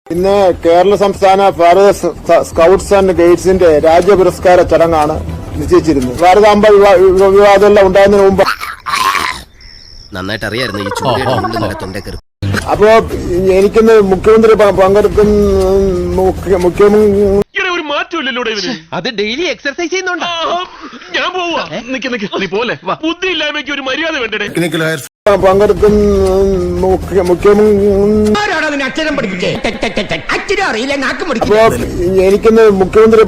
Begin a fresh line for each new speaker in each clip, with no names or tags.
ഇന്ന് കേരള സംസ്ഥാന ഭാരത scouts and ഗൈഡ്സിന്റെ രാജ്യ പുരസ്കാര ചടങ്ങാണ് നിശ്ചയിച്ചിരുന്നത്. ഭാരതാംബ വിവാദമെല്ലാം ഉണ്ടാകുന്നതിന് മുമ്പ്
നന്നായിട്ട് അറിയായിരുന്നു ഈ ചൂട് തൊണ്ടേക്കറി.
അപ്പോ എനിക്കിന്ന് മുഖ്യമന്ത്രി
ഒരു മാറ്റമില്ലല്ലോ അത് ഡെയിലി എക്സർസൈസ് ചെയ്യുന്നുണ്ടോ? ഞാൻ പോവാ. നീ പോലെ ബുദ്ധി ഇല്ലായ്മയ്ക്ക് ഒരു മര്യാദ വേണ്ടേ?
എനിക്കിന്ന് മുഖ്യമന്ത്രി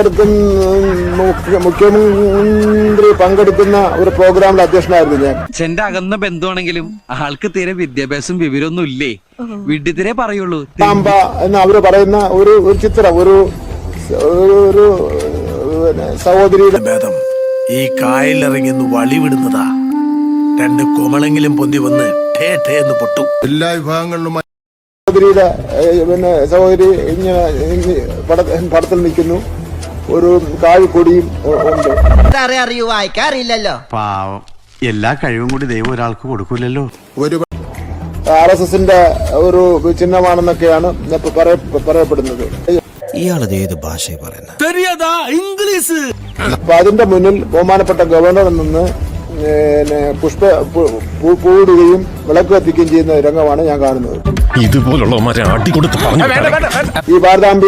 പങ്കെടുക്കുന്ന ഒരു പ്രോഗ്രാമിൽ അധ്യക്ഷനായിരുന്നു ഞാൻ.
അച്ഛന്റെ അകന്ന ബന്ധുവാണെങ്കിലും ആൾക്ക് തീരെ വിദ്യാഭ്യാസം വിവരമൊന്നും ഇല്ലേ, വിഡ്ഢിത്തിരെ പറയുള്ളൂ.
എന്ന് അവര് പറയുന്ന ഒരു ചിത്രം, ഒരു സഹോദരിയുടെ
ഭേദം ഈ കായലിറങ്ങി വളിവിടുന്നതാ. രണ്ട് കൊമളെങ്കിലും പൊന്തി വന്ന് ടേ ടേ എന്ന് പൊട്ടും. എല്ലാ വിഭാഗങ്ങളിലും
സഹോദരിയുടെ സഹോദരി ഇങ്ങനെ പടത്തിൽ നിൽക്കുന്നു. ഒരു കാഴിക്കൊടിയും ഉണ്ട്.
അറിയൂ വായിക്കാറില്ലല്ലോ.
പാവം, എല്ലാ കഴിവും കൂടി ദൈവം ഒരാൾക്ക് കൊടുക്കൂലല്ലോ.
ഒരു RSSന്റെ ഒരു ചിഹ്നമാണെന്നൊക്കെയാണ് പറയപ്പെടുന്നത്.
ഇയാളത് ഏത് ഭാഷ പറയുന്നത്?
ഇംഗ്ലീഷ്.
അപ്പൊ അതിന്റെ മുന്നിൽ ബഹുമാനപ്പെട്ട ഗവർണർ നിന്ന് പൂടുകയും വിളക്ക് കത്തിക്കുകയും ചെയ്യുന്ന രംഗമാണ് ഞാൻ കാണുന്നത്.
ഇതുപോലുള്ള
ഈ ഭാരതാംബ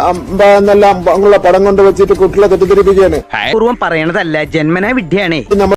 എന്നെല്ലാം ഉള്ള പടം കൊണ്ട് വെച്ചിട്ട് കുട്ടികളെ തെറ്റിദ്ധരിപ്പിക്കുകയാണ്.
പൂർവ്വം പറയണതല്ല, ജന്മനാ വിദ്യയാണ്.